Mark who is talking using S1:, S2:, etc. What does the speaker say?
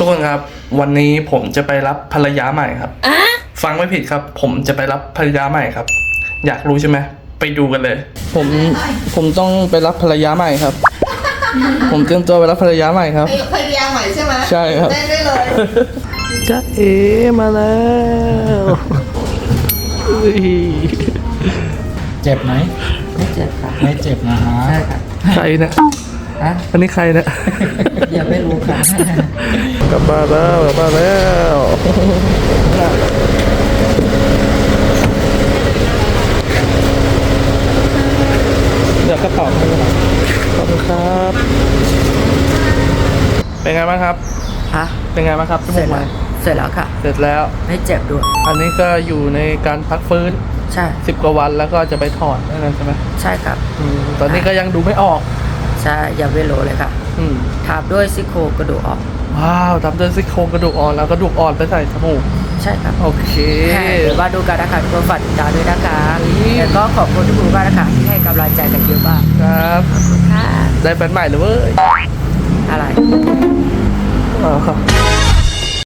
S1: กคนครับวันนี้ผมจะไปรับภรรยาใหม่ครับฟังไม่ผิดครับ ผมจะไปรับภรรยาใหม่ครับ อยากรู้ใช่ไหมไปดูกันเลย ผมต้องไปรับภรรยาใหม่ครับ ผมเตรียมตัวไปรับภรรยาใหม่ครับ
S2: ภรรยาใหม่ใช่ไหม
S1: ใช่ครับ
S2: ได้เลย
S1: จ๊ะเอมาแล้ว
S3: เจ็บไหม
S2: ไม่เจ็บค่ะ
S3: ไม่เจ็บนะฮะ
S2: ใช่ค่ะ
S1: ใครนะ
S2: ฮะ
S1: อันนี้ใครนะ
S2: อย่าไม่รู้ค่ะ
S1: กลับมาแล้วเดี๋ยวกระเป๋าให้ครับขอบคุณครับ เป็นไงบ้างครับ
S2: ฮะ
S1: เป็นไงบ้างครับจ
S2: เส
S1: มู
S2: ร็จ
S1: กให
S2: แล้
S1: ม่
S2: วเสร็จแล้วค่ะ
S1: เสร็จแล้ว
S2: ไม่เจ็บด้วย
S1: อันนี้ก็อยู่ในการพักฟื้น
S2: ใช่
S1: 10 กว่าวันแล้วก็จะไปถอดนั่นใช่ไหม
S2: ใช่ครับ
S1: ตอนนี้ก็ยังดูไม่ออก
S2: ใช่อย่าไม่รู้เลยค่ะ
S1: อืม
S2: ทาบด้วยซี่โครงกระดูกออก
S1: ว้าวทำด้วยซี่โครงกระดูกอ่อนแล้วกระดูกอ่อนไปใส่จมูก
S2: ใช่ครับ
S1: โอเค
S2: เดี๋ยวมาดูกันนะคะทุกคนฝากติดตามด้วยนะคะแล้วก็ขอบคุณทุกคนมากนะคะที่ให้กำลังใจกันเยอะมาก
S1: ครับ
S2: ค่ะ
S1: ได้แฟนใหม่เลยเว้ย
S2: อะไร
S1: อ๋อ